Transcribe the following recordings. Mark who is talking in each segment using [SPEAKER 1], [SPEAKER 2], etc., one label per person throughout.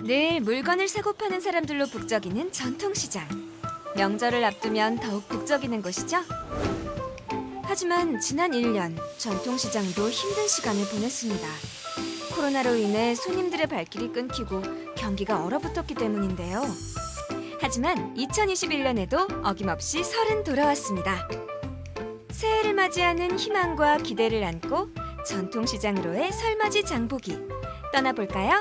[SPEAKER 1] 늘 물건을 사고 파는 사람들로 북적이는 전통시장. 명절을 앞두면 더욱 북적이는 곳이죠. 하지만 지난 1년 전통시장도 힘든 시간을 보냈습니다. 코로나로 인해 손님들의 발길이 끊기고 경기가 얼어붙었기 때문인데요. 하지만 2021년에도 어김없이 설은 돌아왔습니다. 새해를 맞이하는 희망과 기대를 안고 전통시장으로의 설맞이 장보기 떠나볼까요?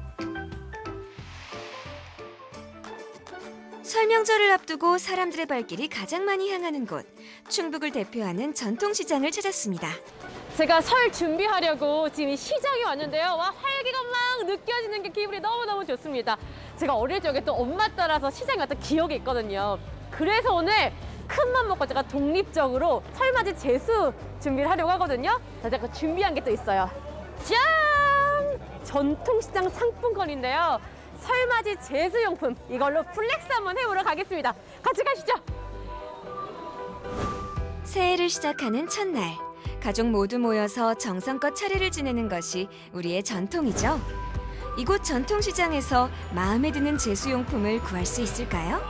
[SPEAKER 1] 설 명절을 앞두고 사람들의 발길이 가장 많이 향하는 곳, 충북을 대표하는 전통시장을 찾았습니다.
[SPEAKER 2] 제가 설 준비하려고 지금 이 시장에 왔는데요. 와, 활기가 막 느껴지는 게 기분이 너무너무 좋습니다. 제가 어릴 적에 또 엄마 따라서 시장에 왔던 기억이 있거든요. 그래서 오늘 큰 맘 먹고 제가 독립적으로 설맞이 제수 준비를 하려고 하거든요. 자, 제가 준비한 게 또 있어요. 짠! 전통시장 상품권인데요. 설맞이 제수용품, 이걸로 플렉스 한번 해보러 가겠습니다. 같이 가시죠.
[SPEAKER 1] 새해를 시작하는 첫날, 가족 모두 모여서 정성껏 차례를 지내는 것이 우리의 전통이죠. 이곳 전통시장에서 마음에 드는 제수용품을 구할 수 있을까요?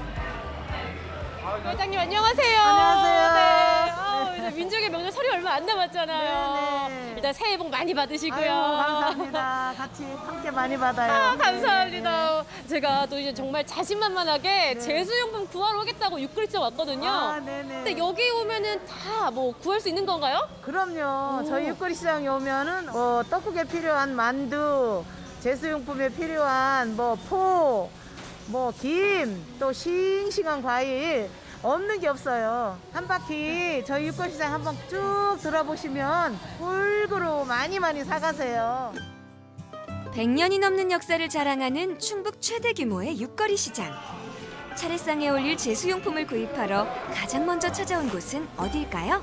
[SPEAKER 2] 회장님 안녕하세요.
[SPEAKER 3] 안녕하세요.
[SPEAKER 2] 네. 이제 민족의 명절 설이 얼마 안 남았잖아요.
[SPEAKER 3] 네네.
[SPEAKER 2] 일단 새해 복 많이 받으시고요.
[SPEAKER 3] 아유, 감사합니다. 같이 함께 많이 받아요.
[SPEAKER 2] 감사합니다. 제가 또 이제 정말 자신만만하게
[SPEAKER 3] 네.
[SPEAKER 2] 제수용품 구하러 오겠다고 육그리째 왔거든요.
[SPEAKER 3] 아, 네네.
[SPEAKER 2] 근데 여기 오면은 다 뭐 구할 수 있는 건가요?
[SPEAKER 3] 그럼요.
[SPEAKER 2] 오.
[SPEAKER 3] 저희 육거리 시장에 오면은 떡국에 필요한 만두, 제수용품에 필요한 포, 김, 또 싱싱한 과일 없는 게 없어요. 한 바퀴 저희 육거리 시장 한번 쭉 돌아보시면 골고루 많이 사가세요.
[SPEAKER 1] 100년이 넘는 역사를 자랑하는 충북 최대 규모의 육거리 시장. 차례상에 올릴 제수용품을 구입하러 가장 먼저 찾아온 곳은 어딜까요?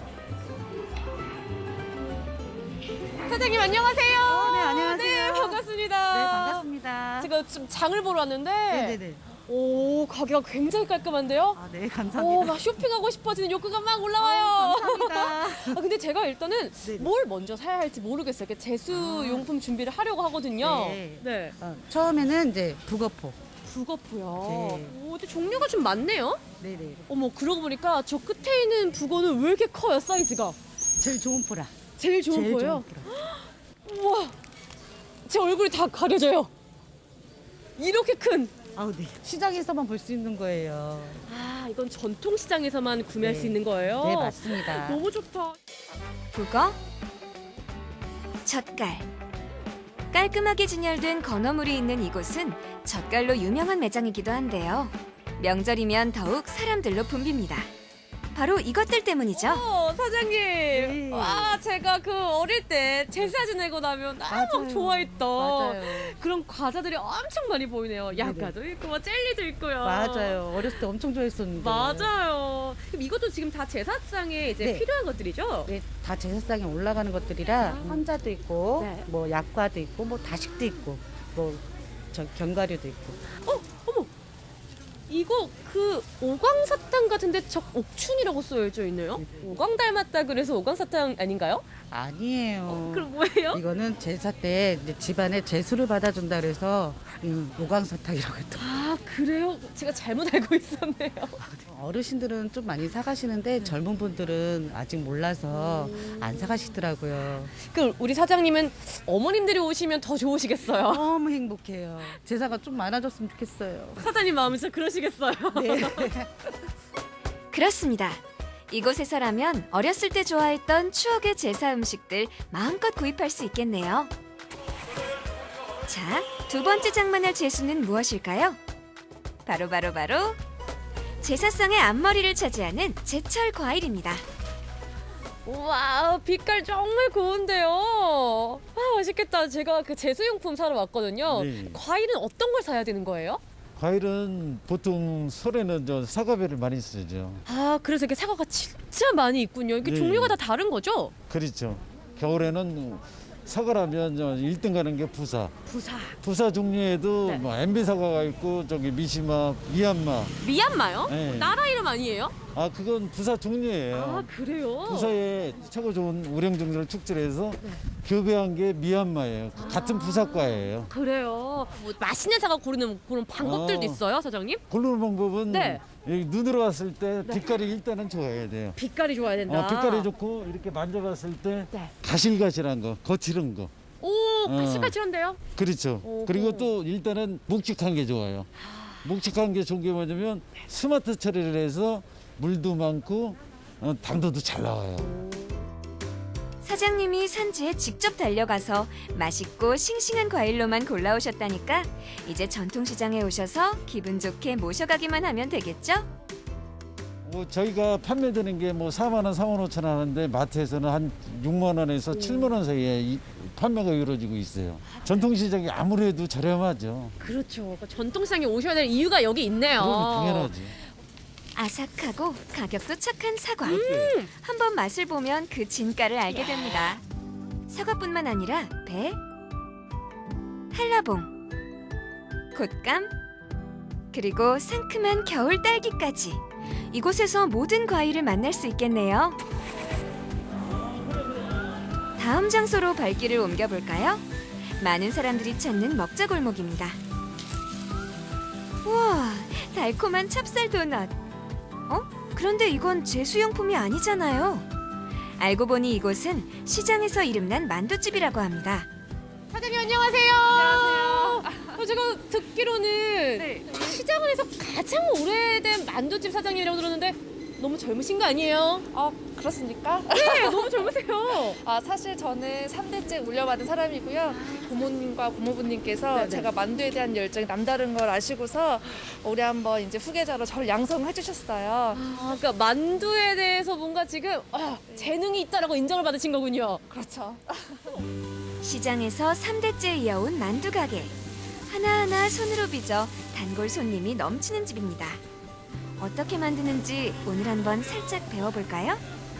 [SPEAKER 2] 사장님 안녕하세요.
[SPEAKER 3] 네, 안녕하세요.
[SPEAKER 2] 네, 반갑습니다.
[SPEAKER 3] 네, 반갑습니다.
[SPEAKER 2] 제가 지금 장을 보러 왔는데
[SPEAKER 3] 네네네.
[SPEAKER 2] 오, 가게가 굉장히 깔끔한데요.
[SPEAKER 3] 아, 네,
[SPEAKER 2] 오,
[SPEAKER 3] 감사합니다.
[SPEAKER 2] 막 쇼핑하고 싶어지는 욕구가 막 올라와요.
[SPEAKER 3] 감사합니다.
[SPEAKER 2] 근데 제가 일단은
[SPEAKER 3] 네네.
[SPEAKER 2] 뭘 먼저 사야 할지 모르겠어요. 이렇게 제수용품 준비를 하려고 하거든요.
[SPEAKER 3] 네. 처음에는 이제 북어포.
[SPEAKER 2] 북어포요.
[SPEAKER 3] 네.
[SPEAKER 2] 오, 근데 종류가 좀 많네요.
[SPEAKER 3] 네네.
[SPEAKER 2] 어머, 그러고 보니까 저 끝에 있는 북어는 왜 이렇게 커요, 사이즈가?
[SPEAKER 3] 제일 좋은 포라.
[SPEAKER 2] 제일 좋은
[SPEAKER 3] 제일
[SPEAKER 2] 거예요?
[SPEAKER 3] 좋은 포라.
[SPEAKER 2] 우와, 제 얼굴이 다 가려져요. 이렇게 큰.
[SPEAKER 3] 아우, 네. 시장에서만 볼 수 있는 거예요.
[SPEAKER 2] 아, 이건 전통시장에서만 구매할
[SPEAKER 3] 네.
[SPEAKER 2] 수 있는 거예요?
[SPEAKER 3] 네, 맞습니다.
[SPEAKER 2] 너무 좋다.
[SPEAKER 1] 북어, 젓갈. 깔끔하게 진열된 건어물이 있는 이곳은 젓갈로 유명한 매장이기도 한데요. 명절이면 더욱 사람들로 붐빕니다. 바로 이것들 때문이죠.
[SPEAKER 2] 사장님. 와, 제가 그 어릴 때 제사 지내고 나면 너무
[SPEAKER 3] 맞아요.
[SPEAKER 2] 좋아했던
[SPEAKER 3] 맞아요.
[SPEAKER 2] 그런 과자들이 엄청 많이 보이네요. 약과도 있고, 뭐 젤리도 있고요.
[SPEAKER 3] 맞아요. 어렸을 때 엄청 좋아했었는데.
[SPEAKER 2] 맞아요. 그럼 이것도 지금 다 제사상에 이제
[SPEAKER 3] 네.
[SPEAKER 2] 필요한 것들이죠?
[SPEAKER 3] 네, 다 제사상에 올라가는 것들이라 환자도 있고,
[SPEAKER 2] 네.
[SPEAKER 3] 약과도 있고, 다식도 있고, 견과류도 있고.
[SPEAKER 2] 어머. 이거 그 오광사탕 같은데 저 옥춘이라고 써져 있네요. 오광 닮았다 그래서 오광사탕 아닌가요?
[SPEAKER 3] 아니에요.
[SPEAKER 2] 그럼 뭐예요?
[SPEAKER 3] 이거는 제사 때 이제 집안에 제수를 받아준다 그래서 오광사탕이라고 했던.
[SPEAKER 2] 아, 그래요? 제가 잘못 알고 있었네요.
[SPEAKER 3] 어르신들은 좀 많이 사가시는데 젊은 분들은 아직 몰라서 안 사가시더라고요.
[SPEAKER 2] 그럼 우리 사장님은 어머님들이 오시면 더 좋으시겠어요?
[SPEAKER 3] 너무 행복해요. 제사가 좀 많아졌으면 좋겠어요.
[SPEAKER 2] 사장님 마음은 진짜 그러시겠어요?
[SPEAKER 3] 네.
[SPEAKER 1] 그렇습니다. 이곳에서라면 어렸을 때 좋아했던 추억의 제사 음식들 마음껏 구입할 수 있겠네요. 자, 두 번째 장만할 제수는 무엇일까요? 바로 제사상의 앞머리를 차지하는 제철 과일입니다.
[SPEAKER 2] 와, 빛깔 정말 고운데요. 아, 맛있겠다. 제가 그 제수용품 사러 왔거든요.
[SPEAKER 4] 네.
[SPEAKER 2] 과일은 어떤 걸 사야 되는 거예요?
[SPEAKER 4] 과일은 보통 설에는 사과배를 많이 쓰죠.
[SPEAKER 2] 아, 그래서 이렇게 사과가 진짜 많이 있군요. 이게
[SPEAKER 4] 네.
[SPEAKER 2] 종류가 다 다른 거죠?
[SPEAKER 4] 그렇죠. 겨울에는 사과라면 1등 가는 게 부사.
[SPEAKER 2] 부사.
[SPEAKER 4] 부사 종류에도
[SPEAKER 2] 네.
[SPEAKER 4] MB 사과가 있고 미시마, 미얀마.
[SPEAKER 2] 미얀마요?
[SPEAKER 4] 네.
[SPEAKER 2] 나라 이름 아니에요?
[SPEAKER 4] 아, 그건 부사 종류예요.
[SPEAKER 2] 아, 그래요?
[SPEAKER 4] 부사에 최고 좋은 우량종들을 축제해서 교배한 게 미얀마예요. 같은 부사과예요.
[SPEAKER 2] 그래요. 뭐 맛있는 사과 고르는 그런 방법들도
[SPEAKER 4] 어.
[SPEAKER 2] 있어요, 사장님?
[SPEAKER 4] 고르는 방법은
[SPEAKER 2] 네.
[SPEAKER 4] 여기 눈으로 봤을 때 빛깔이 일단은 좋아야 돼요.
[SPEAKER 2] 빛깔이 좋아야 된다.
[SPEAKER 4] 빛깔이 좋고 이렇게 만져봤을 때
[SPEAKER 2] 네.
[SPEAKER 4] 가실가실한 거, 거칠은 거.
[SPEAKER 2] 오, 가시가시한데요?
[SPEAKER 4] 그렇죠.
[SPEAKER 2] 오호.
[SPEAKER 4] 그리고 또 일단은 묵직한 게 좋아요. 묵직한 게 좋은 게 뭐냐면 스마트 처리를 해서 물도 많고 당도도 잘 나와요.
[SPEAKER 1] 사장님이 산지에 직접 달려가서 맛있고 싱싱한 과일로만 골라오셨다니까 이제 전통시장에 오셔서 기분 좋게 모셔가기만 하면 되겠죠?
[SPEAKER 4] 저희가 판매되는 게 뭐 4만 원, 4만 5천 원 하는데 마트에서는 한 6만 원에서 7만 원 사이에 판매가 이루어지고 있어요. 전통시장이 아무래도 저렴하죠.
[SPEAKER 2] 그렇죠. 그러니까 전통시장에 오셔야 될 이유가 여기 있네요.
[SPEAKER 4] 그럼 당연하지.
[SPEAKER 1] 아삭하고 가격도 착한 사과. 한번 맛을 보면 그 진가를 알게 됩니다. 사과뿐만 아니라 배, 한라봉, 곶감, 그리고 상큼한 겨울 딸기까지. 이곳에서 모든 과일을 만날 수 있겠네요. 다음 장소로 발길을 옮겨볼까요? 많은 사람들이 찾는 먹자 골목입니다. 우와, 달콤한 찹쌀 도넛. 그런데 이건 제수용품이 아니잖아요. 알고 보니 이곳은 시장에서 이름난 만두집이라고 합니다.
[SPEAKER 2] 사장님 안녕하세요. 안녕하세요. 제가 듣기로는 시장에서 가장 오래된 만두집 사장님이라고 들었는데 너무 젊으신 거 아니에요?
[SPEAKER 5] 그렇습니까?
[SPEAKER 2] 네, 너무 젊으세요.
[SPEAKER 5] 사실 저는 3대째 물려받은 사람이고요. 부모님과 고모부님께서 제가 만두에 대한 열정이 남다른 걸 아시고서 올해 한번 이제 후계자로 저를 양성해 주셨어요.
[SPEAKER 2] 그러니까 만두에 대해서 뭔가 지금 재능이 있다라고 인정을 받으신 거군요.
[SPEAKER 5] 그렇죠.
[SPEAKER 1] 시장에서 3대째 이어온 만두 가게. 하나하나 손으로 빚어 단골 손님이 넘치는 집입니다. 어떻게 만드는지 오늘 한번 살짝 배워볼까요?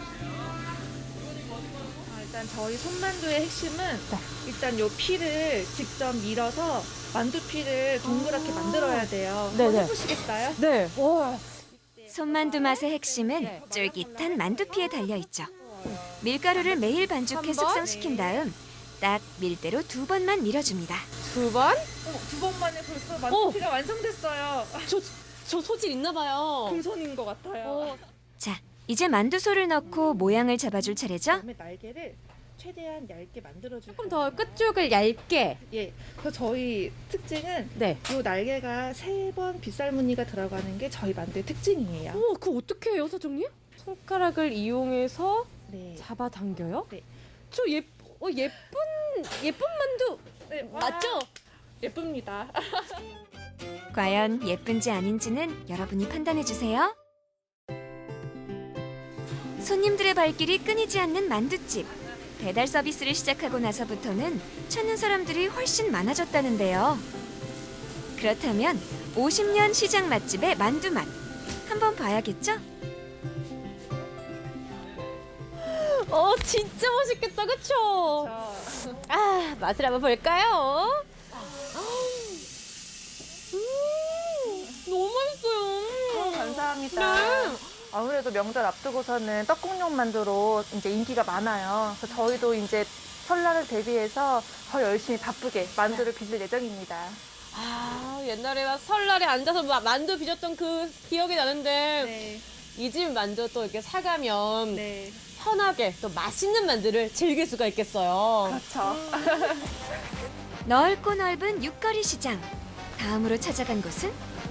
[SPEAKER 5] 일단 저희 손만두의 핵심은 일단 요 피를 직접 밀어서 만두피를 동그랗게 만들어야 돼요.
[SPEAKER 2] 네네.
[SPEAKER 5] 한번 해보시겠어요?
[SPEAKER 2] 네. 와.
[SPEAKER 1] 손만두 맛의 핵심은 쫄깃한 만두피에 달려있죠. 밀가루를 매일 반죽해 숙성시킨 다음 딱 밀대로 2번만 밀어줍니다.
[SPEAKER 2] 2번?
[SPEAKER 5] 2번 만에 벌써 만두피가 완성됐어요.
[SPEAKER 2] 저 소질 있나 봐요.
[SPEAKER 5] 금손인 것 같아요.
[SPEAKER 1] 자, 이제 만두소를 넣고 모양을 잡아줄 차례죠?
[SPEAKER 5] 그다음에 날개를 최대한 얇게 만들어줄
[SPEAKER 2] 조금 더 끝쪽을 얇게.
[SPEAKER 5] 예. 그래서 저희 특징은
[SPEAKER 2] 네.
[SPEAKER 5] 이 날개가 3번 빗살 무늬가 들어가는 게 저희 만두의 특징이에요.
[SPEAKER 2] 어머, 그거 어떻게 해요, 사장님? 손가락을 이용해서
[SPEAKER 5] 네.
[SPEAKER 2] 잡아당겨요?
[SPEAKER 5] 네.
[SPEAKER 2] 저 예쁜 만두
[SPEAKER 5] 네,
[SPEAKER 2] 맞죠?
[SPEAKER 5] 예쁩니다.
[SPEAKER 1] 과연 예쁜지 아닌지는 여러분이 판단해주세요. 손님들의 발길이 끊이지 않는 만두집. 배달 서비스를 시작하고 나서부터는 찾는 사람들이 훨씬 많아졌다는데요. 그렇다면 50년 시장 맛집의 만두 맛 한번 봐야겠죠?
[SPEAKER 2] 진짜 맛있겠다, 그쵸? 맛을 한번 볼까요? 너무 맛있어요.
[SPEAKER 5] 감사합니다.
[SPEAKER 2] 네.
[SPEAKER 5] 아무래도 명절 앞두고서는 떡국용 만두로 이제 인기가 많아요. 그래서 저희도 이제 설날을 대비해서 더 열심히 바쁘게 만두를 빚을 예정입니다.
[SPEAKER 2] 옛날에 막 설날에 앉아서 만두 빚었던 그 기억이 나는데
[SPEAKER 5] 네.
[SPEAKER 2] 이 집 만두 또 이렇게 사가면
[SPEAKER 5] 네.
[SPEAKER 2] 편하게 또 맛있는 만두를 즐길 수가 있겠어요.
[SPEAKER 5] 그렇죠.
[SPEAKER 1] 넓고 넓은 육거리 시장. 다음으로 찾아간 곳은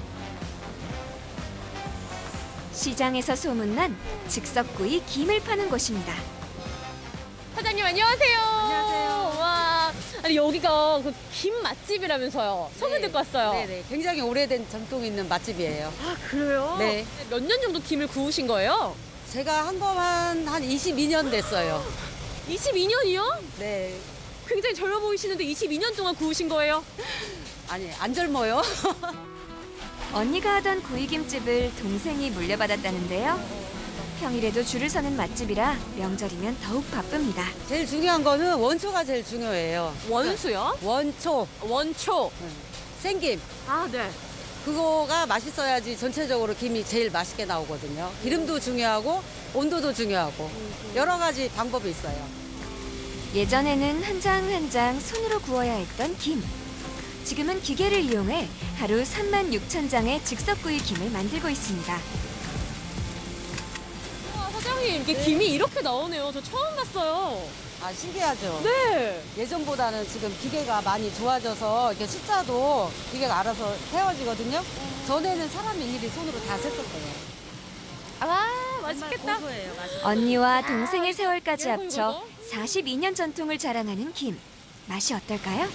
[SPEAKER 1] 시장에서 소문난 즉석구이 김을 파는 곳입니다.
[SPEAKER 2] 사장님 안녕하세요.
[SPEAKER 5] 안녕하세요.
[SPEAKER 2] 와, 아니 여기가 그 김 맛집이라면서요. 소문 듣고 왔어요.
[SPEAKER 6] 네네, 굉장히 오래된 전통 있는 맛집이에요.
[SPEAKER 2] 그래요?
[SPEAKER 6] 네.
[SPEAKER 2] 몇 년 정도 김을 구우신 거예요?
[SPEAKER 6] 제가 한 거만 한 22년 됐어요.
[SPEAKER 2] 22년이요?
[SPEAKER 6] 네.
[SPEAKER 2] 굉장히 젊어 보이시는데 22년 동안 구우신 거예요?
[SPEAKER 6] 아니, 안 젊어요.
[SPEAKER 1] 언니가 하던 구이김집을 동생이 물려받았다는데요. 평일에도 줄을 서는 맛집이라 명절이면 더욱 바쁩니다.
[SPEAKER 6] 제일 중요한 거는 원초가 제일 중요해요.
[SPEAKER 2] 원수요?
[SPEAKER 6] 원초,
[SPEAKER 2] 원초.
[SPEAKER 6] 생김.
[SPEAKER 2] 네.
[SPEAKER 6] 그거가 맛있어야지 전체적으로 김이 제일 맛있게 나오거든요. 기름도 중요하고 온도도 중요하고 여러 가지 방법이 있어요.
[SPEAKER 1] 예전에는 한 장 한 장 손으로 구워야 했던 김. 지금은 기계를 이용해 하루 36,000장의 즉석구이 김을 만들고 있습니다.
[SPEAKER 2] 와, 사장님, 이게 김이 이렇게 나오네요. 저 처음 봤어요.
[SPEAKER 6] 아, 신기하죠?
[SPEAKER 2] 네.
[SPEAKER 6] 예전보다는 지금 기계가 많이 좋아져서 이렇게 숫자도 기계가 알아서 세워지거든요. 전에는 사람이 일일이 손으로 다 셌었어요.
[SPEAKER 2] 아, 맛있겠다.
[SPEAKER 6] 고소해요, 맛있
[SPEAKER 1] 언니와 동생의 세월까지
[SPEAKER 2] 이거,
[SPEAKER 1] 합쳐
[SPEAKER 2] 이거.
[SPEAKER 1] 42년 전통을 자랑하는 김. 맛이 어떨까요?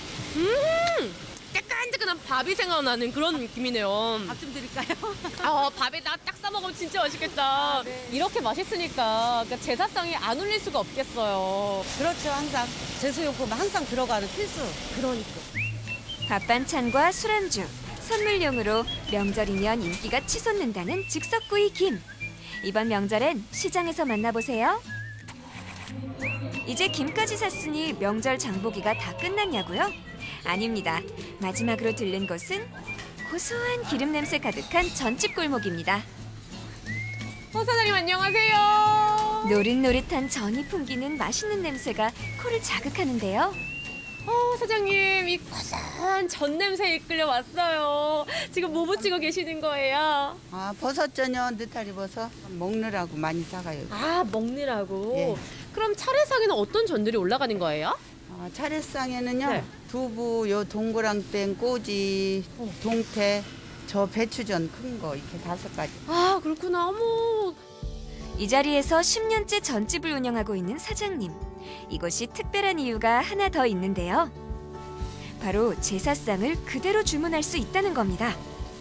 [SPEAKER 2] 뜨끈뜨끈한 밥이 생각나는 그런 김이네요.
[SPEAKER 6] 밥좀 드릴까요?
[SPEAKER 2] 아, 밥에다 딱 싸먹으면 진짜 맛있겠다. 이렇게 맛있으니까 그러니까 제사상에 안 올릴 수가 없겠어요.
[SPEAKER 6] 그렇죠, 항상. 제수용품 항상 들어가는 필수.
[SPEAKER 2] 그러니까.
[SPEAKER 1] 밥 반찬과 술안주, 선물용으로 명절이면 인기가 치솟는다는 즉석구이 김. 이번 명절엔 시장에서 만나보세요. 이제 김까지 샀으니 명절 장보기가 다 끝났냐고요? 아닙니다. 마지막으로 들른 곳은 고소한 기름 냄새 가득한 전집 골목입니다.
[SPEAKER 2] 사장님 안녕하세요.
[SPEAKER 1] 노릇노릇한 전이 풍기는 맛있는 냄새가 코를 자극하는데요.
[SPEAKER 2] 사장님 이 고소한 전 냄새에 이끌려 왔어요. 지금 뭐 부치고 계시는 거예요?
[SPEAKER 7] 아, 버섯전혀 느타리 버섯 먹느라고 많이 싸가요.
[SPEAKER 2] 아, 먹느라고.
[SPEAKER 7] 예.
[SPEAKER 2] 그럼 차례상에는 어떤 전들이 올라가는 거예요?
[SPEAKER 7] 아, 차례상에는요,
[SPEAKER 2] 네.
[SPEAKER 7] 두부, 요 동그랑땡, 꼬지, 동태, 저 배추전 큰 거 이렇게 5가지.
[SPEAKER 2] 아, 그렇구나. 어머.
[SPEAKER 1] 이 자리에서 10년째 전집을 운영하고 있는 사장님. 이곳이 특별한 이유가 하나 더 있는데요. 바로 제사상을 그대로 주문할 수 있다는 겁니다.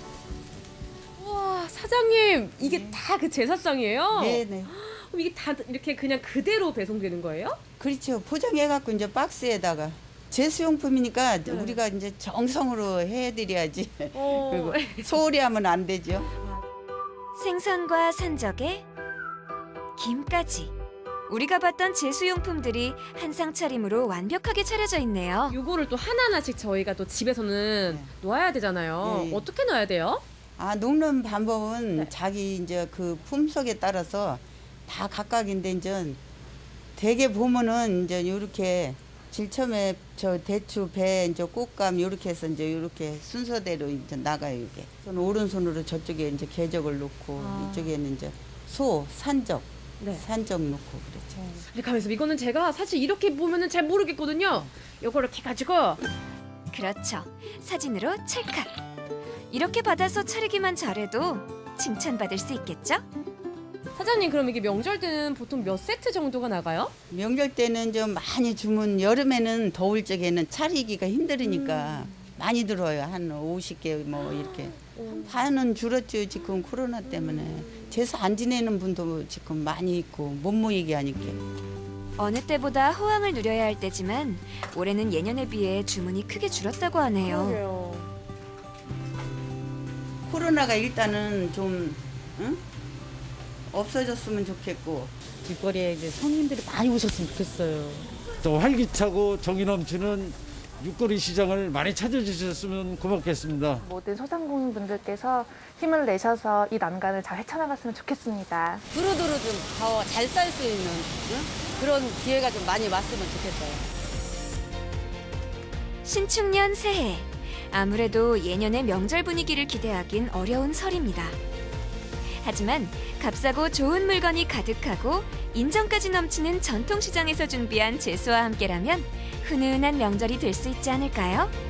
[SPEAKER 2] 우와, 사장님 이게 다 그 제사상이에요?
[SPEAKER 7] 네네.
[SPEAKER 2] 그럼 이게 다 이렇게 그냥 그대로 배송되는 거예요?
[SPEAKER 7] 그렇죠. 포장해갖고 이제 박스에다가 제수용품이니까 우리가 이제 정성으로 해드려야지.
[SPEAKER 2] 어.
[SPEAKER 7] 그리고 소홀히 하면 안 되죠.
[SPEAKER 1] 생선과 산적에 김까지. 우리가 봤던 제수용품들이 한 상 차림으로 완벽하게 차려져 있네요.
[SPEAKER 2] 요거를 또 하나하나씩 저희가 또 집에서는 놓아야 되잖아요.
[SPEAKER 7] 네.
[SPEAKER 2] 어떻게 넣어야 돼요?
[SPEAKER 7] 아, 녹는 방법은
[SPEAKER 2] 네.
[SPEAKER 7] 자기 이제 그 품속에 따라서 다 각각인데 이제 대개 보면은 이제 요렇게 질첨에 저 대추, 배, 이제 꽃감 요렇게 해서 이제 요렇게 순서대로 이제 나가요, 이게. 손 오른손으로 저쪽에 이제 개적을 놓고 이쪽에는 이제 소, 산적,
[SPEAKER 2] 네.
[SPEAKER 7] 산적 놓고 그렇죠.
[SPEAKER 2] 이렇게 하면서 이거는 제가 사실 이렇게 보면은 잘 모르겠거든요. 요거를 이렇게 가지고
[SPEAKER 1] 그렇죠. 사진으로 찰칵. 이렇게 받아서 차리기만 잘해도 칭찬받을 수 있겠죠?
[SPEAKER 2] 사장님 그럼 이게 명절 때는 보통 몇 세트 정도가 나가요?
[SPEAKER 7] 명절 때는 좀 많이 주문, 여름에는 더울 적에는 차리기가 힘들으니까 많이 들어요. 한 50개 뭐 이렇게. 반은 줄었죠. 지금 코로나 때문에. 제사 안 지내는 분도 지금 많이 있고 못 모이게 하니까.
[SPEAKER 1] 어느 때보다 호황을 누려야 할 때지만 올해는 예년에 비해 주문이 크게 줄었다고 하네요.
[SPEAKER 7] 코로나가 일단은 좀 응? 없어졌으면 좋겠고.
[SPEAKER 6] 길거리에 이제 손님들이 많이 오셨으면 좋겠어요.
[SPEAKER 4] 또 활기차고 정이 넘치는 육거리 시장을 많이 찾아주셨으면 고맙겠습니다.
[SPEAKER 8] 모든 소상공인분들께서 힘을 내셔서 이 난간을 잘 헤쳐나갔으면 좋겠습니다.
[SPEAKER 6] 두루두루 좀 더 잘 쌀 수 있는 응? 그런 기회가 좀 많이 왔으면 좋겠어요.
[SPEAKER 1] 신축년 새해. 아무래도 예년의 명절 분위기를 기대하긴 어려운 설입니다. 하지만 값싸고 좋은 물건이 가득하고 인정까지 넘치는 전통시장에서 준비한 제수와 함께라면 훈훈한 명절이 될 수 있지 않을까요?